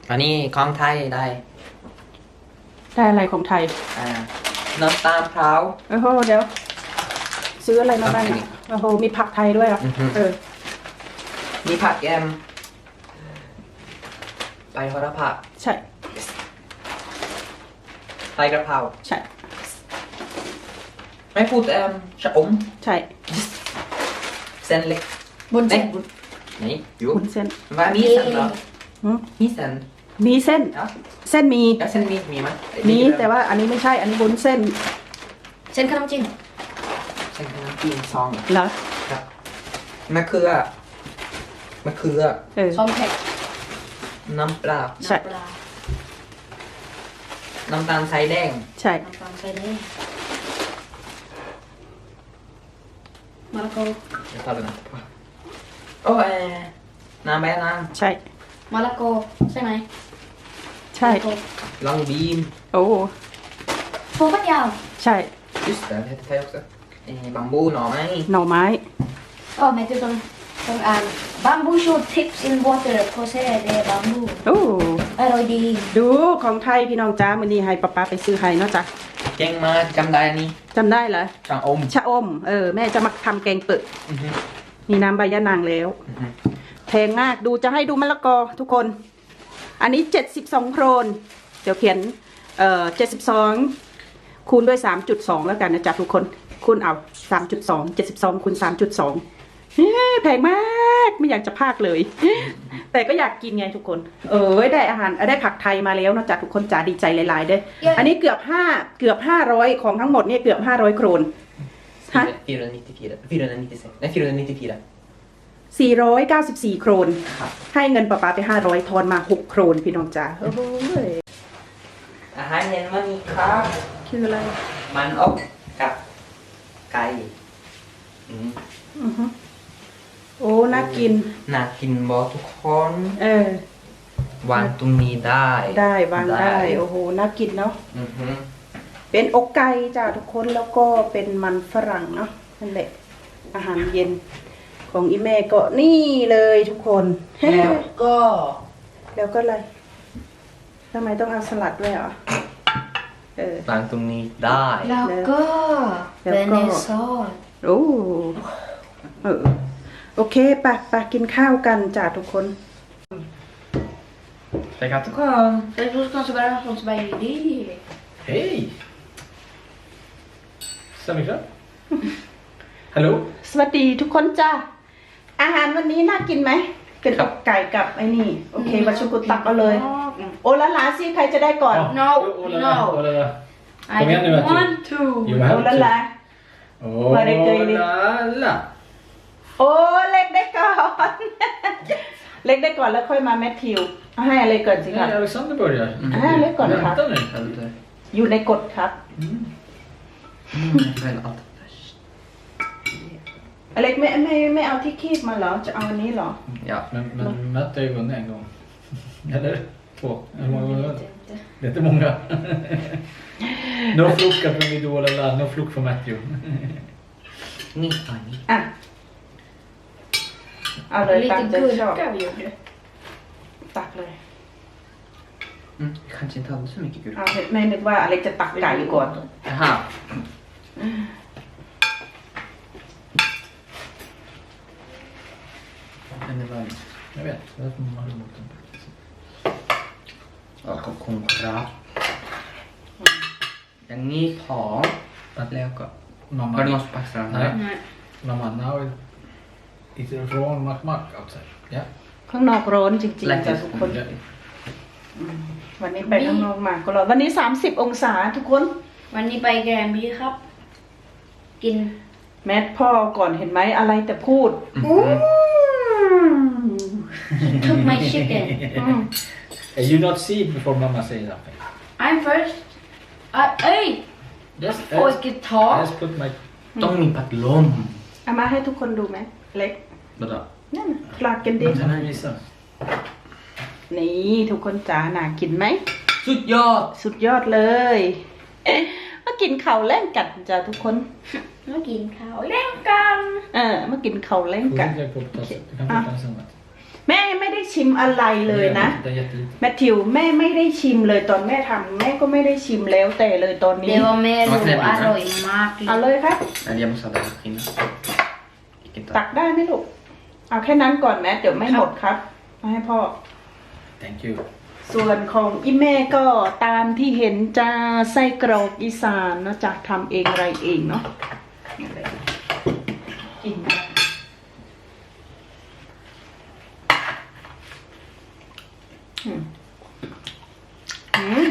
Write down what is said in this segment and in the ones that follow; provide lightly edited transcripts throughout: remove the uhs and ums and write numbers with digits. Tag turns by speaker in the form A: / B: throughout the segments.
A: อันนี้ของไทยได้
B: อะไรของไทย
A: น้ำตาลพร้าว
B: โอ้โหเดี๋ยวซื้ออะไรมาบ้างโอ้โหมีผักไทยด้วยเหรอ
A: มีผักแกมใบโหระพา
B: ใช่
A: ใบกระเพรา
B: ใช่
A: ไม่พูดชะอม
B: ใช่
A: เส้นเล็ก
B: บุญเส้น
A: นี่อยู่
B: บุญเส้น
A: ว่ามีเส้นเหรอมีเส้น
B: มีเส้นเส้นมี
A: เส้นมีไหม
B: มีแต่ว่าอันนี้ไม่ใช่อันนี้บุญเส้น
C: เส้นขนมจีน
A: เส้นขนมจีนซอง
B: เหรอ
A: ครับมะเขือ
C: ซองเผ็ด
A: น้ำปลา
B: ใช่
A: น้ำตาลทรายแดง
B: ใช่
C: น้ำตาลทรายแดงมะละกอ
A: โอ้น้ำใบนาง
B: ใช่
C: มะละกอใช่ไหม
B: ใช่
A: ลองบีน
B: โอ้
C: ถั่วฝักยาว
B: ใช่
A: just det heter det också bambu หน่อไม้
C: แม่ต้องอ่าน bamboo shoot tips in water โคเซ่เดบัมบู
B: โอ้
C: อร่อยดี
B: ดูของไทยพี่น้องจ้ามื้อนี้ให้ป๊าไปซื้อให้เนาะจ้ะ
A: เก่งมากจำได้นี่
B: จำได้เหรอ
A: ชะอม
B: แม่จะมาทำแกงเปิดมีน้ำใบยะนางแล้วแพงมากดูจะให้ดูมะละกอทุกคนอันนี้72โครนเดี๋ยวเขียน72คูณด้วย3.2แล้วกันนะจ๊ะทุกคนคูณเอา3.2 72คูณ3.2แพงมากไม่อยากจะพากเลยแต่ก็อยากกินไงทุกคนได้อาหารได้ผักไทยมาแล้วนะจ๊ะทุกคนจ๋าดีใจหลายๆเด้ออันนี้เกือบ500ของทั้งหมดเนี่ยเกือบ500โครน494โครนให้เงินป้าไป500ทอนมา6โครนพี่น้องจ๋าโอ้โห
A: อาหารเย็นวันนี้ครับ
B: คืออะไร
A: มันอบกับไก่
B: โอ้น่ากิน
A: บอกทุกคนวางตรงนี้ได้
B: วางได้โอ้โหน่ากินเนาะเป็นอกไก่จ้าทุกคนแล้วก็เป็นมันฝรั่งเนาะนั่นแหละอาหารเย็นของอีแม่ก็นี่เลยทุกคน
A: แล้วก็
B: อะไรทำไมต้องเอาสลัดด้วยอ่ะ
A: วางตรงนี้ได้
C: แล้วก็เบเนซอส
B: โอเคไปกินข้าวกันจ้าทุกคน
A: ไปครับทุกคน
C: Det är så kanske bara någon som bara är det.
A: Hej! Samikra? Hallå?
B: สวัสดีทุกคนจ้าอาหารวันนี้น่ากินไหมเป็นอกไก่กับไอ้นี่โอเควัชกุตักเอาเลยโอละลาสิใครจะได้ก่อน
C: No I don't want to
B: โอละลา
A: มาได้เกยนี่
B: โอ้เล็กได้ก่อนเล็กได้ก่อนแล้วค่อยมาแมทธิวให้อะไรก่อนสิครับ
A: Alexander börjar
B: เล็กก่อนครับอยู่ในกฎครับอเล็กไม่เอาที่คีบมาเหรอจะเอาอันนี้เหรอ
A: Ja
D: men Matt har ju vunnit en gång eller 2 det är inte många no flukar från Idol eller no fluk från Matthew
A: นี่
B: เอาเลยตามใจชอบตักเลย
A: kanske inte hade så mycket gurka
B: แม่นึกว่าอะไรจะตักไก่ก่อน
A: aha
D: jag vet därför man har emot den
A: ขอบคุณครับอย่างนี้พอตัดแล้วก็var det någon som paxade
D: nej mamma now it's wrong mack outside ja
B: ข้างนอกร้อนจริงๆจ้ะทุกคนวันนี้ไปข้างนอกมาก็ร้อนวันนี้30องศาทุกคน
C: วันนี้ไปแกรมบี้ครับกิน
B: แมทพ่อก่อนเห็นไหมอะไรแต่พูด
C: took my chicken
D: you not see before mama say something
C: I'm first
D: just
C: get talk
D: just put my
A: ต้องมีพัดลม
B: เอามาให้ทุกคนดูไหมเล็ก
D: vadå
B: นั่นคลากันดินี่ทุกคนจ๋าน่ากินไหม
A: สุดยอด
B: เลยมากินข้าวแล่งกันจ้ะทุกคน
C: มากินข้าวแล่งกัน
B: มากินข้าวแล่งกันแม่ไม่ได้ชิมอะไรเลยนะ
D: Det är jättelite.
B: แมทธิวแม่ไม่ได้ชิมเลยตอนแม่ทำแม่ก็ไม่ได้ชิมแล้วแต่เลยตอนนี้
C: Det var mer arroimak.
B: เอาเลยครับ
A: Eller jag måste ha den skinnen. Vilken
B: ตักได้ไหมลูกเอาแค่นั้นก่อนแม่เดี๋ยวไม่หมดครับมาให้พ่อ
D: Thank you.
B: ส่วนของอีแม่ก็ตามที่เห็นจ้าไส้กรอกอีสานเนาะจากทำเองอะไรเองเนาะกินได้อืมอืม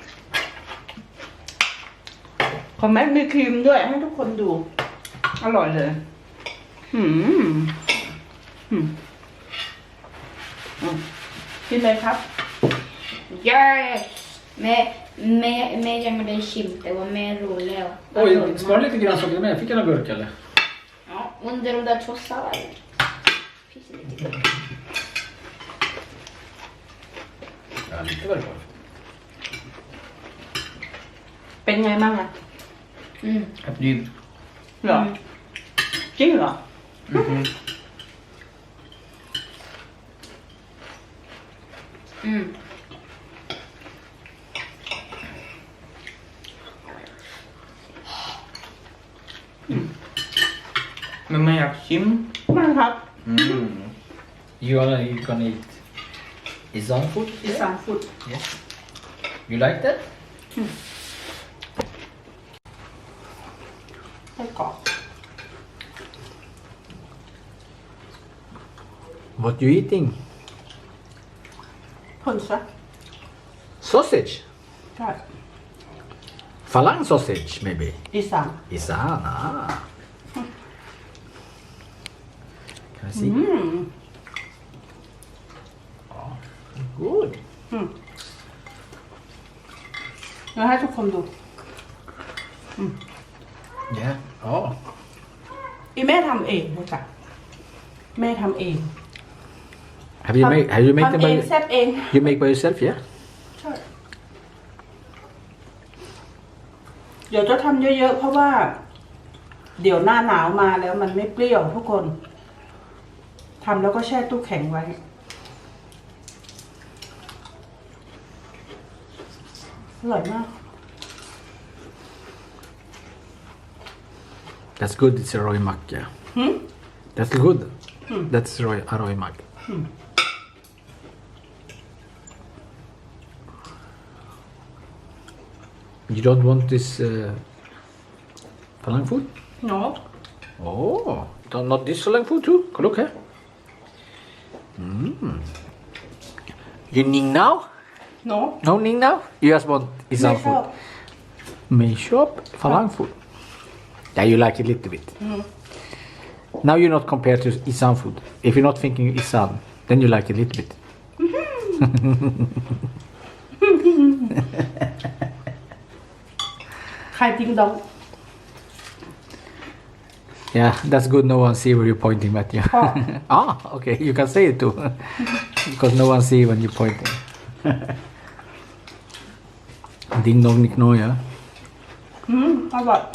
B: ของแม่มีครีมด้วยให้ทุกคนดู อร่อยเลยอืมอืมอืมกินเลยครับ
C: Yes! Med jag med dig kim, det var mer roligt.
D: Oj, ska du lite grönsaker med? Fick jag någon gurka eller?
C: Ja, under de där två salladerna. Finns det lite gurka.
D: Ja, lite var det kvar.
B: เป็นไงบ้างอะ
C: Mm.
A: Apelsin.
B: เหรอจริงเหรอ
A: Mhm.
C: Mm.
A: Men man gör kim.
B: ไม่ครับ
A: Mm.
D: You gonna eat Isan food?
B: อีสานฟุด
D: Yes. You like that?
B: ไส้กรอก
D: What you eating?
B: พ่นซะ
D: Sausage?
B: ใช่
D: Falang sausage maybe?
B: อีสาน
D: Isan, ah. Can I see?
B: อืม
D: Good.
B: แล้วให้ทุกคนดู
D: Yeah. Oh.
B: อีแม่ทำเองเลยจ้ะแม่ทำเอง
D: Have you made them
B: ทำเอง
D: by
B: แซ่บเอง
D: you make by yourself? Yeah.
B: ใช่เดี๋ยวจะทำเยอะๆเพราะว่า เดี๋ยวหน้าหนาวมาแล้วมันไม่เปรี้ยวทุกคนทำแล้วก็แช่ตู้แข็งไว้ อร่อยมาก
D: That's good. It's a Roy Mac. Yeah. That's good. That's Roy Mac. You don't want this Falang food?
B: เนาะ
D: Oh, not this Falang food too? Look here. You ning now?
B: เนาะ
D: No ning now? You just want
B: ไม่
D: Isan
B: ชอบ
D: food? May shop Falang food. Yeah, you like it a little bit. Now you're not compared to Isan food. If you're not thinking Isan, then you like it a little bit.
B: ใครติงดอง
D: Yeah, that's good. No one see where you're pointing at you. Ah, okay. You can say it too, because no one see when you're pointing. Ding dong nick no, yeah.
B: อร่อย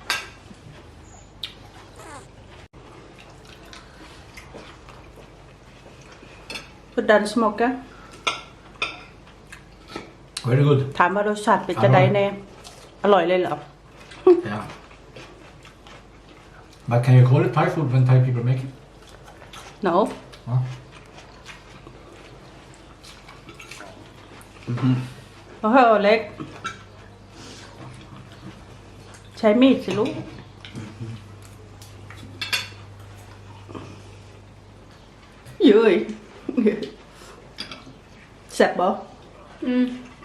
B: พุดดันสโมกเกอร์
D: Very good.
B: ถามว่ารสชาติเป็นจะได้แน่ อร่อยเลยเหรอ
D: Yeah. But can you call it Thai food when Thai people make it?
B: no
D: Huh?
B: โอ้โหเล็ก ใช้มีดสิลูกเย้ยแซ่บบ่
C: Mm.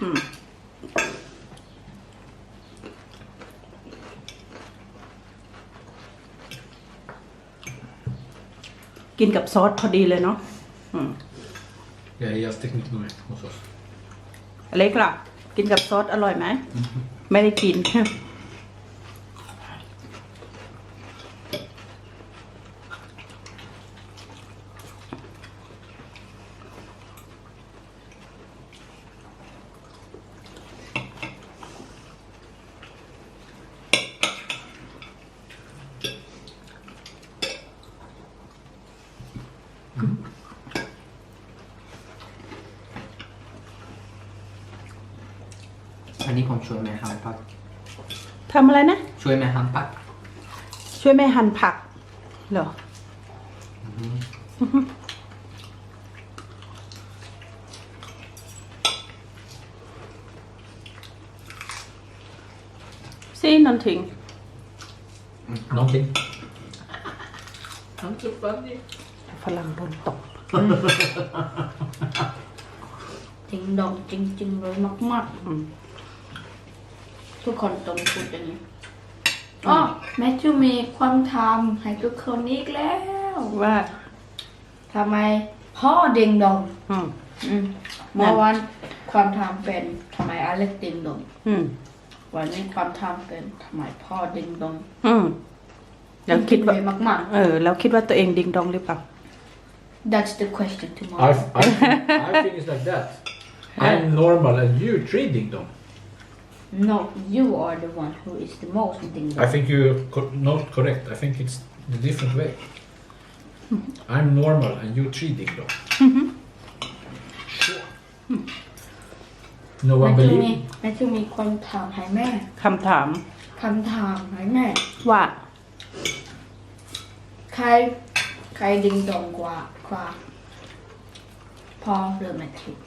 B: กินกับซอสพอดีเลยเนาะ
D: Yeah, he has technique nu hos oss.
B: เล็กล่ะ กินกับซอสอร่อยไหม ไม่ได้กิน อ
A: ผมช่วยแม่หั่นผัก
B: ทำอะไรนะ
A: ช่วยแม่หั่นผัก
B: ช่วยแม่หั่นผักเหรอซีนอนถิง
D: Någonting.
B: ฝรั่งโดนตก
C: จริงดองจริงๆเลยมากๆทุกคนต้องพูดอย่างนี้อ๋อแมทธิวมีความทำให้ทุกคนอีกแล้ว
B: ว่า
C: ทำไมพ่อดิงดอง
B: อืม
C: เมื่อวันความทำเป็นทำไมอเล็กดิงดอง
B: อืม
C: วันนี้ความทำเป็นทำไมพ่อดิงดอง
B: อืมแล้วคิดว่า
C: เลยมาก
B: แล้วคิดว่าตัวเองดิงดองหรือเปล่า
C: ๆ That's the question tomorrow
D: I think it's like that. I'm normal and you three ding dong.
C: No you are the one who is the most ding
D: I
C: dong
D: think you're not correct. I think it's the different way. I'm normal and you three ding dong. Sure. No
C: แม
D: one
C: ทธิว
D: believe
C: มี
D: me.
C: แมทธิวมีความถามให้แม่
B: คำถาม
C: คำถามให้แม่
B: ว่า
C: ใครดิงดองกว่าพ่อหรือแมทธิว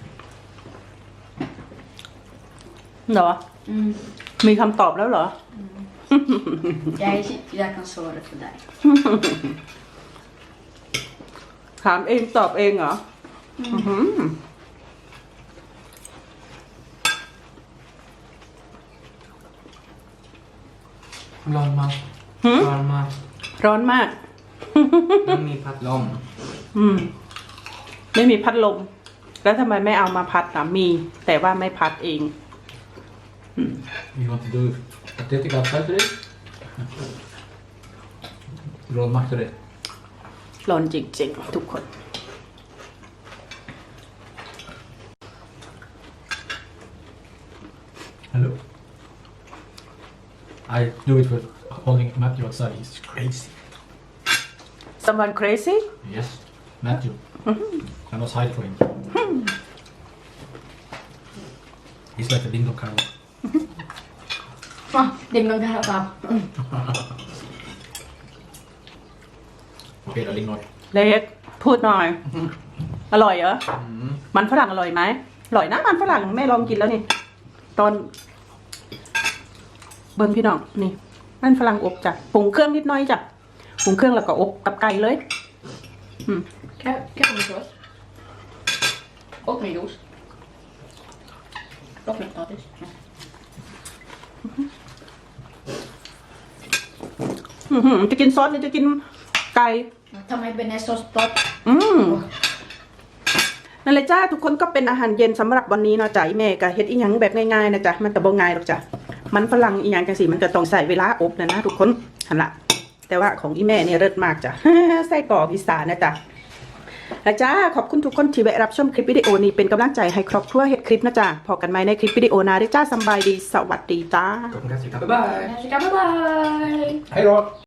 B: เหรอ มีคำตอบแล้วเหรอ
C: Jag kan svara för dig
B: ถามเองตอบเองเหรออื้อหือ
A: ร้อนมากร้อนมาก
B: ร้อนมาก
A: ต้องมีพัดลม
B: ไม่มีพัดลม แล้วทำไมไม่เอามาพัดนะมี แต่ว่าไม่พัดเอง
D: You want to do athletic outside today? Roll Mac today.
B: ร้อนจริงๆทุกคน
D: Hello. I do it with holding Matthew outside. He's crazy.
B: someone crazy
D: Yes, Matthew. I must hide for him. He's like a ding dong cow.
C: ดิงดองกันครับ
D: Okay, darling, no.
B: เล็กพูดหน่อย อร่อยเหรอ มันฝรั่งอร่อยไหมอร่อยนะมันฝรั่งแม่ลองกินแล้วนี่ ตอน เบิ้งพี่น้องนี่ มันฝรั่งอบจ้ะปรุงเครื่องนิดหน้อยจ้ะปรุงเครื่องแล้วก็อบกับไก่เลย
C: Capricosås. Och med juice. Och med potatis.
B: จะกินซอสหรือจะกินไก่
C: Ta med bearnaisesås.
B: นั่นเลยจ้าทุกคนก็เป็นอาหารเย็นสำหรับวันนี้เนาะจ้ะอีแม่ก็เฮ็ดอีหยังแบบง่ายๆนะจ๊ะมันแต่บ่ง่ายหรอกจ้ะมันฝรั่งอีหยังจังสิมันก็ต้องใส่เวลาอบนะทุกคนหั่นละแต่ว่าของอีแม่เนี่ยเลิศมากจ้ะ ไส้กรอกอีสานนะจ๊ะแล้วจ้าขอบคุณทุกคนที่แวะรับชมคลิปวิดีโอนี้เป็นกำลังใจให้ครอบครัวเฮ็ดคลิปนะจ๊ะพอกันใหม่ในคลิปวิดีโอหน้าด้วยจ้าสำบายดีสวัสดีจ้า
A: ขอบคุณครับสิครับบ๊ายบาย
C: Bye bye.
D: Hej då!